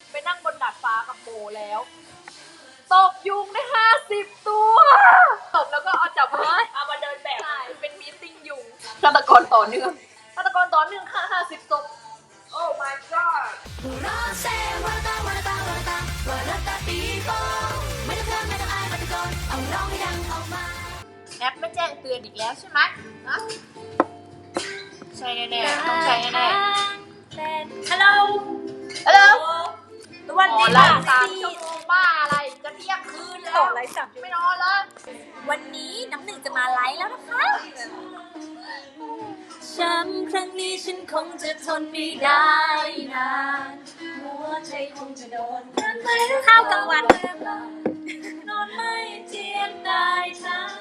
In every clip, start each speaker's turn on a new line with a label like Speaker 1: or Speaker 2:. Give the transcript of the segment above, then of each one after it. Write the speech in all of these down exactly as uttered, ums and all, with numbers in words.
Speaker 1: ไปนั่งบนดาดฟ้ากับโบแล้วตบยุงได้ห้าสิบตัวตบแล้วก็เอาจับมาเอามาเดินแบบเป็นมีตติ้งยุงฆาตกรต่อเนื่องฆาตกรต่อเนื่องค่ะห้าสิบศพโอ้ my god แอปไม่แจ้งเตือนอีกแล้วใช่ไหมนะใช่แน่ๆต้องใช่แน่ๆฮัลโหลฮัลโหลสวัสดีค่ะสามชั่วโมงบ้าอะไรจะเที่ยงคืนแล้วต่อไลฟ์สามไม่นอนแล้ว
Speaker 2: วันนี้น้ำหนึ่งจะมาไลฟ์แล้วนะคะช้ำครั้งนี้ฉันคงจะทนไม่ได้นานหัวใจคงจะโดนข้าวกลางวันนอนไม่เจียมได้ทั้ง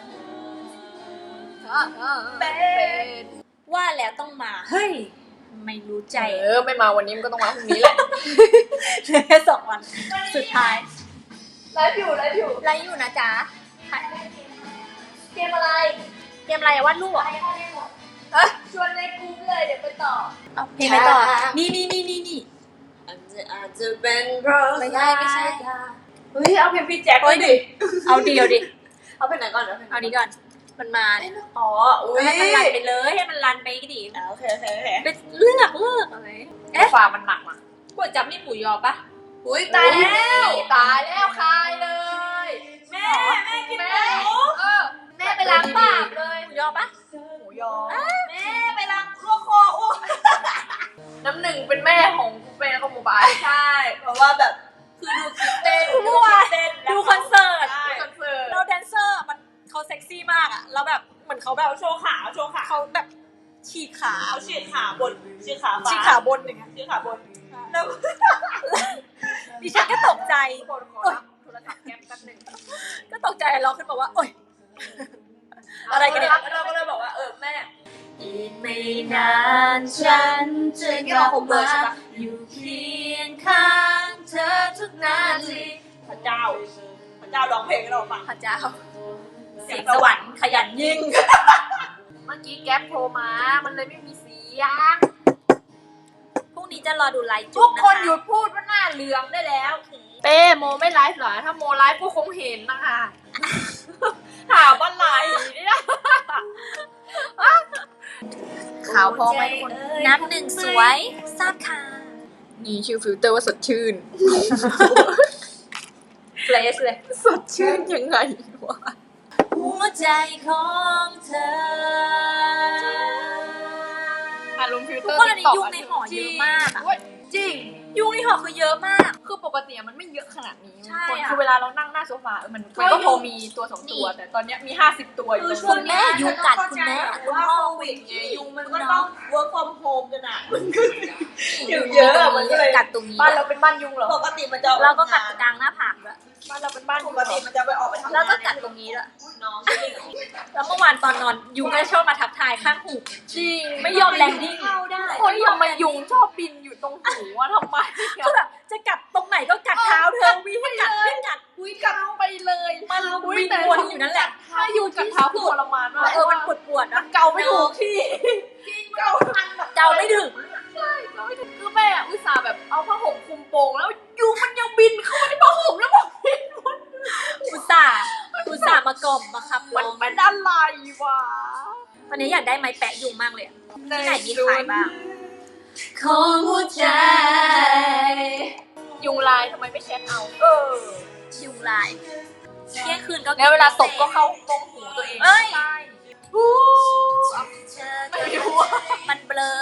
Speaker 2: เป็นว่าแล้วต้องมาเฮ้ยไม่รู้ใจ
Speaker 1: เออไม่มาวันนี้มันก็ต้องมาพรุ่งนี้แหละ
Speaker 2: แค่สองวันสุดท้าย
Speaker 1: ไลฟ์อยู่ไลฟ์อยู่
Speaker 2: ไลฟ์อยู่นะจ๊ะ
Speaker 1: เกมอะไร
Speaker 2: เกมอะไรวาดรูปอ่ะ
Speaker 1: ชวนในกลุ่มเลยเดี๋ยวไปต่อ
Speaker 2: เอาเพลงไปต่อนี่นี่นี่นี่นี่
Speaker 1: อาจจะอาจจะเป็นเพราะ
Speaker 2: ไม่ใช่ไม่ใช่
Speaker 1: เฮ้ยเอาเพลงพี่แจ็คดิ
Speaker 2: เอาดิเอาดิ
Speaker 1: เอาเพลงไหนก่อน
Speaker 2: เอานี้ก่อนมันมาเนี่ย
Speaker 1: อ๋อ
Speaker 2: ให้มันรันไปเลยให้มันรันไปก็ดี
Speaker 1: โอเคโอเคโอเค
Speaker 2: เป็นเลือกเลือกอะไร
Speaker 1: เอ๊ะฟ้ามันหนักอ่ะก๋วยจั๊บนี่หมูยอปะอุ้ยตายแล้วตายแล้วคายเลยแม่แม่กินหมูเออแม่ไปล้างปากเลย
Speaker 2: หมูยอปะ
Speaker 1: หมูยอแม่ไปล้างคอคออ้น้ำหนึ่งเป็นแม่ของกูเป็นแล้วก็หมูบายใช่เพราะว่าแบบคือดูคลิปเต้น
Speaker 2: ดูคลิปเต้นดูคอนเสิร์ต
Speaker 1: คอนเสิร์ต
Speaker 2: เราแดนเซอร์มันเขาเซ็กซี่มากอ่ะแล้วแบบเหมือนเขาแบบ
Speaker 1: โชว์ขาโชว์ขา
Speaker 2: เขาแบบฉีกขา
Speaker 1: เขาฉีกขาบนฉีกขา
Speaker 2: ฉีกขาบนอย่างเงี้ย
Speaker 1: ฉีกขาบนแล้ว
Speaker 2: ดิฉันก็ตกใจ
Speaker 1: โทรศัพท์แก๊ปแป๊บนึง
Speaker 2: ก็ตกใจร้องขึ้นมาว่าโอ๊ยอะไรกันเนี่ย
Speaker 1: เราก็เลยบอกว่าเออแม่
Speaker 2: อีกไม่นานฉันจะกลับมาอยู่เคียงข้างเธอทุกนาที
Speaker 1: พระเจ้าพระเจ้าร้องเพลงให้เราฟัง
Speaker 2: พระเจ้าเสียงสวรรค์ขยันยิ่ง
Speaker 1: เมื่อกี้แก๊ปโทรมามันเลยไม่มีเสียง
Speaker 2: พรุ่งนี้จะรอดูไลฟ์
Speaker 1: ทุกคนหยุดพูดว่าหน้าเหลืองได้แล้วเป้โมไม่ไลฟ์เหรอถ้าโมไลฟ์ก็คงเห็นนะคะถามว่าไลฟ์เนี่ยข่าวพอไหมทุกคน
Speaker 2: น้ำหนึ่งสวยทราบค่ะ
Speaker 1: นี่ชื่อฟิลเตอร์ว่าสดชื่นเฟรชเลยสดชื่นยังไงวะ
Speaker 2: หัวใจของเธอ
Speaker 1: อารมณ์ฟิลเตอร์
Speaker 2: ทุกคนอันนี้ยุงในหอเยอะมาก
Speaker 1: จริง
Speaker 2: ยุงในหอคือเยอะมาก
Speaker 1: คือปกติมันไม่เยอะขนาดนี้
Speaker 2: ใช่
Speaker 1: คือเวลาเรานั่งหน้าโซฟามันก็พอมีตัวสองตัวแต่ตอนนี้มีห้าสิบตัวอยู่
Speaker 2: คุณแม่ยุงกัดคุณแม่
Speaker 1: ว่าโควิดไงยุงมันก็ต้อง work from home กันอ่ะอยู่เยอะมันก็เลย
Speaker 2: กัดตรงนี้
Speaker 1: บ้านเราเป็นบ้านยุงเหรอ
Speaker 2: ปกติมันจะเราก็กัดกลางหน้าผากด้วย
Speaker 1: บ้านเราเป็นบ้านปกติมันจะไปออกไปทำงาน
Speaker 2: แล้วก็กัดตรงนี้ด้วย
Speaker 1: น้อง
Speaker 2: แล้วเมื่อวานตอนนอนยุงก็ชอบมาทับทายข้างหู
Speaker 1: จริง
Speaker 2: ไม่ยอมแลนดิ้ง
Speaker 1: คนทำไมยุงชอบบินอยู่ตรงหูว่าทำไม
Speaker 2: คือแบบจะกัดตรงไหนก็กัดเท้าเธอวิ่งให้กัดวิ่งกัด
Speaker 1: อุ้ยกัดไปเลย
Speaker 2: มันวิ่งวนอยู่นั่นแหละ
Speaker 1: ถ้ายุงกัดเท้าคือทรมานมาก
Speaker 2: เออมันปวดปวดนะ
Speaker 1: เกาไม่ถูกที่
Speaker 2: เกาเกาไม่ถึง
Speaker 1: ใช่เกาไม่ถึงคือแม่อุตส่าห์แบบเอาผ้าห่มคลุมโปงแล้วยุงมันยังบินเข้ามาในผ้าห่มแล้วบอกบิน
Speaker 2: อุตส่าห์อุตส่าห์มากล่อมมาขับ
Speaker 1: มันเป็นอะไรวะ
Speaker 2: ตอนนี้อยากได้ไม้แปะยุงมากเลยที่ไหนมีขายบ้าง
Speaker 1: ของหัวใจยุงลายทำไมไม่เช็ดเอาเออ
Speaker 2: ยุงลายเที่ยงคืนก็
Speaker 1: แล้วเวลาตบก็เข้าตรงหูตัวเอง
Speaker 2: เอ้ย
Speaker 1: ไม่รู้
Speaker 2: มันเบลอ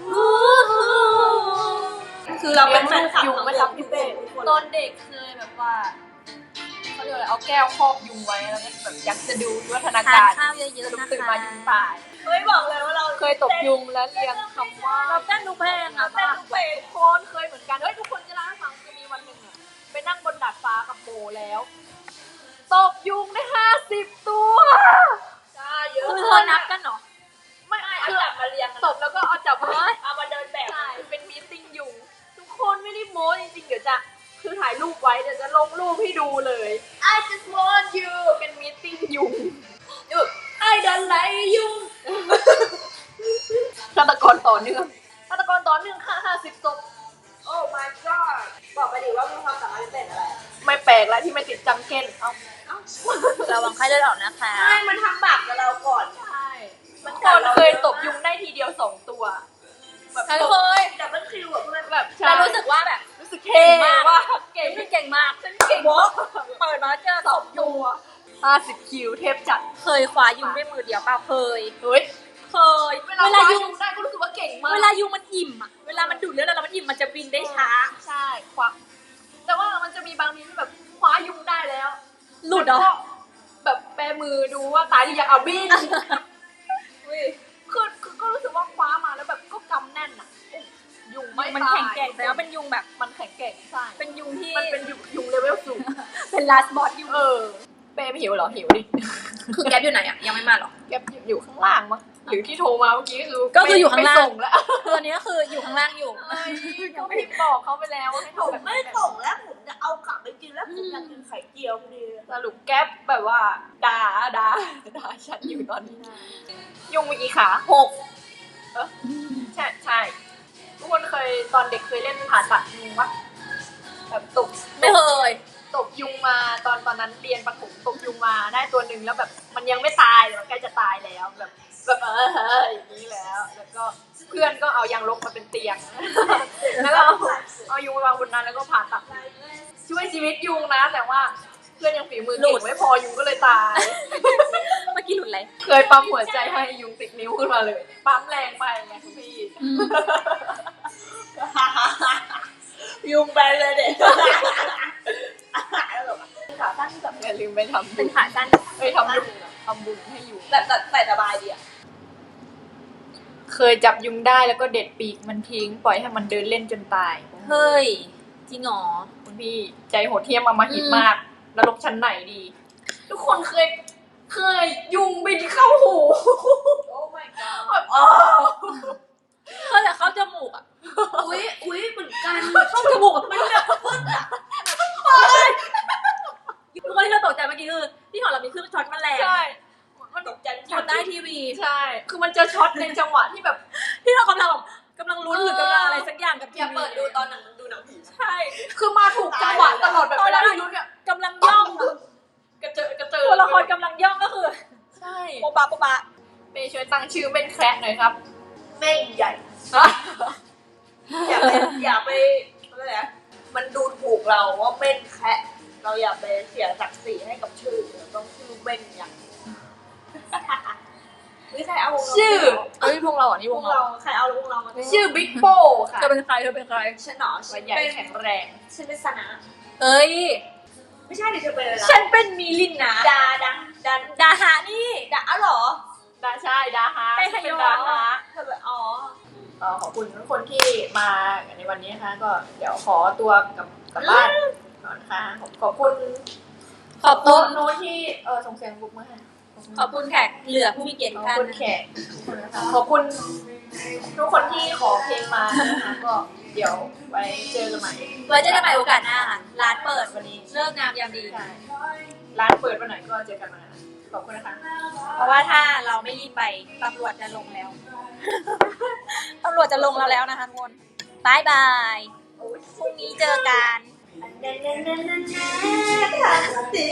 Speaker 1: คือเราเป็นแฟนคลับยุงไม่รับพี่เป้ตอนเด็กเคยแบบว่าเขาเรียกอะไรเอาแก้วครอบยุงไว้แล้วก็แบบอยากจะดูวิวัฒนาการ
Speaker 2: ทานข้าวเยอะๆนะคะ
Speaker 1: ตื่นมายุงตายเฮ้ยบอกเลยว่าเราเคยตบยุงแล้วเรียงคำว่า
Speaker 2: เราเต้นดูเพลงอะ
Speaker 1: เต้นดูเพลงคนเคยเหมือนกันเฮ้ยทุกคนจะเล่าให้ฟังจะมีวันหนึ่งอะไปนั่งบนดาดฟ้ากับโบแล้วตบยุงได้ห้าสิบตัวใช่เยอะ
Speaker 2: คือเธอนับกันเหรอ
Speaker 1: ไม่ไม่เอาจับมาเรียงตบแล้วก็เอาจับมาเอามาเดินแบบเป็นมีตติ้งยุงทุกคนไม่ได้โม้จริงๆเดี๋ยวจะคือถ่ายรูปไว้เดี๋ยวจะลงรูปให้ดูเลย I just want you เป็นมีตติ้งยุงยุง I don't like you ฆาตกรต่อเนื่องฆาตกรต่อเนื่องค่ะห้าสิบศพโอ้ my god บอกไปดิ
Speaker 2: มีความสามารถพิเศษอะไร
Speaker 1: ไม่แปลกแล้วที่ไม่ติดจังเก้นเอ้า
Speaker 2: ระวังไข้เลือดออกนะคะ
Speaker 3: ใช่มันทำบาปกับเราก่อน
Speaker 1: ใช่มันคนเคยตบยุงได้ทีเดียวสองตัวแบบ
Speaker 2: ฉัน
Speaker 1: ตบ
Speaker 2: เคย
Speaker 3: ดับเบิลคิวแบบเพื่อน
Speaker 1: แบบ
Speaker 2: แต่รู้สึกว่าแบบ
Speaker 1: รู้สึกเท่มากว่าเก่ง
Speaker 2: เก่งมาก
Speaker 1: ฉันเก่ง
Speaker 2: โบ๊ะเปิดมาเจอสองยุง
Speaker 1: ห้าสิบคิวเทพจัด
Speaker 2: เคยคว้ายุงด้วยมือเดียวเปล่าเคย
Speaker 1: เฮ้ย
Speaker 2: เคย
Speaker 1: เวลา
Speaker 2: เวลา
Speaker 1: ยุ
Speaker 2: ยุ
Speaker 1: ง
Speaker 2: ง
Speaker 1: ได้ก็รู้สึกว่าเก่งมาก
Speaker 2: เวลายุงมันอิ่มอะเวลามันดูดเลือดแล้วมันอิ่มมันจะบินได้ช้า
Speaker 1: ใช่คว้าแต่ว่ามันจะมีบางทีที่แบบคว้ายุงได้แล้ว
Speaker 2: หลุดเหรอ
Speaker 1: แล้วก็แบบแปมือดูว่าตายหรือยังเอาบินคือคือก็รู้สึกว่าคว้ามาแล้วแบบก็กำแน่นอ่ะยุงไม่
Speaker 2: มัน
Speaker 1: ตาย
Speaker 2: แข็งแกร่งแต่ว่าเป็นยุงแบบ
Speaker 1: มันแข็งแกร่งใช่
Speaker 2: เป็นยุงที่
Speaker 1: มันเป็นยุงยุงเลเวลสูง
Speaker 2: เป็นลาสบอสยุง
Speaker 1: เออเป้ไม่หิวเหรอหิวดิ
Speaker 2: คือแก๊ปอยู่ไหนอะยังไม่มาหรอ
Speaker 1: แกอยู่ข้างล่างมั้งหรือที่โทรมาเมื่อกี้คือ
Speaker 2: ก็คืออยู่ข้างล่าง
Speaker 1: ไม่ส่งแล้ว
Speaker 2: คืออันนี้ก็คืออยู่ข้างล่างอยู่
Speaker 1: เอ้ยก็พิมพ์บอกเขาไปแล้วว่าให้
Speaker 3: ผ
Speaker 1: โทร
Speaker 3: ม
Speaker 1: แบบ
Speaker 3: ไม่ส่งแล้วผมจะเอากลับไปกินแล้วผมอยากกินไข่เจียวพอดี
Speaker 1: สรุปแก๊ปแบบว่าด่าด่าด่าฉันอยู่ตอนนี้ยุงมีกี่ขาหกเออใช่ใช่ทุกคนเคยตอนเด็กเคยเล่นผ่าตัดยุงวะแบบตบ
Speaker 2: ไม่เคย
Speaker 1: ตบยุงมาตอนตอนนั้นเรียนประถมตบยุงมาได้ตัวหนึ่งแล้วแบบมันยังไม่ตายแต่มันใกล้จะตายแล้วแบบแบบเออเฮ้ยอย่างนี้แล้ว แล้วก็เพื่อนก็เอายางลบมาเป็นเตียง แล้วก็เอาเอายุงมาวางบนนั้นแล้วก็ผ่าตัดช่วยชีวิตยุงนะ แต่ว่าเพื่อนยังฝีมือเก่งไม่พอยุงก็เลยตาย
Speaker 2: เมื่อกี้หลุดอะไร
Speaker 1: เคยปั๊มหัวใจให้ยุงติดนิ้วขึ้นมาเลย ปั๊มแรงไปไงคุณพี่
Speaker 3: ยุงไปเลยเด็ก
Speaker 1: ขาสั้นแบบอย่าลืมไปทำ
Speaker 2: เป็นขาสั้น
Speaker 1: ไปทำยุงทำบุญให้ยุง
Speaker 3: แบบใส่สบายดีอ่ะ
Speaker 1: เคยจับยุงได้แล้วก็เด็ดปีกมันทิ้ง ปล่อยให้มันเดินเล่นจนตาย
Speaker 2: เฮ้ย จริงเหรอ
Speaker 1: คุณพี่ใจโหดเหี้ยมอำมหิตมากนรกชั้นไหนดี ทุกคนเคย เคยยุงบินเข้าหู
Speaker 3: โอ้ my god
Speaker 1: แบบอ๋อ
Speaker 2: เคยแต่เข้าจมูกอะ
Speaker 3: อุ้ยอุ้ยเหมือนกัน
Speaker 2: เข้าจมูกอะมันแบบฟึดอะทุกคนที่เราตกใจเมื่อกี้คือที่หอเรามีเครื่องช็อตแมลง
Speaker 1: ใช่ มัน
Speaker 3: ตกใจ
Speaker 2: ช็อตได้ทีวี
Speaker 1: ใช่ คือมันจะช็อตในจังหวะที่แบบ
Speaker 2: ที่เรากำลังแบบกำลังลุ้นหรือกำลังอะไรสักอย่างกับที
Speaker 3: อย่า
Speaker 2: วี
Speaker 3: เปิดดูตอนหนังดูหนังผี
Speaker 2: ใช่
Speaker 1: คือมาถูกจังหวะตลอดแบบเวลาที่รู้เนี่ย
Speaker 2: กำลังย่องอะ
Speaker 1: กระเจิดกระเจิด
Speaker 2: ตัวละครกำลังย่องก็คือ
Speaker 1: ใช่
Speaker 2: โปะปะโปะปะ
Speaker 1: เมย์ช่วยตั้งชื่อเป็นแคระหน่อยครับ
Speaker 3: แม่งใหญ่ อย่าไปอย่าไปอะไรนะมันดูถูกเราว่าเม่นแคะเราอย่าไปเสียศักดิ์ศรีให้กับชื่อเราต้องชื่อเม่นอย่างไม่ใครเอาวงเรา
Speaker 1: ชื่อ
Speaker 2: เฮ้ยพวกเราอ่ะนี่
Speaker 3: ว
Speaker 2: ว
Speaker 3: ง
Speaker 2: ง
Speaker 3: เรา
Speaker 2: เรา
Speaker 3: ใครเอาวงเรามา
Speaker 1: ชื่อบิ๊กโป้ค่ะ
Speaker 2: เธอเป็นใครเธอเป็นใคร
Speaker 3: ฉันหนอ
Speaker 1: ใบ
Speaker 3: ฉัน
Speaker 1: ใหญ่
Speaker 3: เป็น
Speaker 1: แข็งแรง
Speaker 3: ฉันเป็นสนะ
Speaker 2: เอ้ย
Speaker 3: ไม่ใช่ดิเธอเป็นอะไร
Speaker 2: ฉั
Speaker 3: นะ
Speaker 2: นเป็นมิลินนะ
Speaker 3: ดาดังดัน
Speaker 2: ดาหานี่
Speaker 3: ดาอ๋อเหรอ
Speaker 1: ดาใช่ดาฮา
Speaker 2: ไปขยอ
Speaker 1: เป็นดาฮา
Speaker 3: เธอแบบอ๋อ
Speaker 1: เอ่อขอบคุณทุกคนที่มาในวันนี้นะคะก็เดี๋ยวขอตัวกลับกลับบ้านก่อนค่ะขอบขอบคุณ
Speaker 2: ขอบคุ
Speaker 1: โต๊ะ
Speaker 2: ณ
Speaker 1: โน้ตที่เออส่งเสียงบุกมาให้
Speaker 2: ขอบคุณแขกเหลือผู้มีเกียรติ
Speaker 1: ข
Speaker 2: ทุ
Speaker 1: อก บ
Speaker 2: ท่าน
Speaker 1: คุณแขกทุกคนนะคะขอบคุณทุกคนที่ขอเพลงมานะคะก็เดี๋ยวไว้เจอกันใหม่
Speaker 2: ไว้เจอกันใหม่โอกาสหน้าค่ะร้านเปิดวันนี้เลิกงามยามดี
Speaker 1: ใช่ร้านเปิดวันไหนก็เจอกันวันนั้นขอบคุณนะคะ
Speaker 2: เพราะว่าถ้าเราไม่รีบไปตำรวจจะลงแล้ว ตำรวจจะลงเราแล้วนะคะทุกคนบายบายพรุ่งนี้เจอกัน
Speaker 3: แน่แน่แน่แน่แน่ทำสิ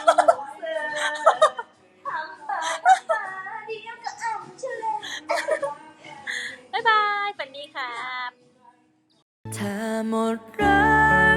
Speaker 3: ทำไปเดียวก็อ่ำเฉลย
Speaker 2: บ๊ายบายฝันดีครับ
Speaker 4: ถ้าหมดรัก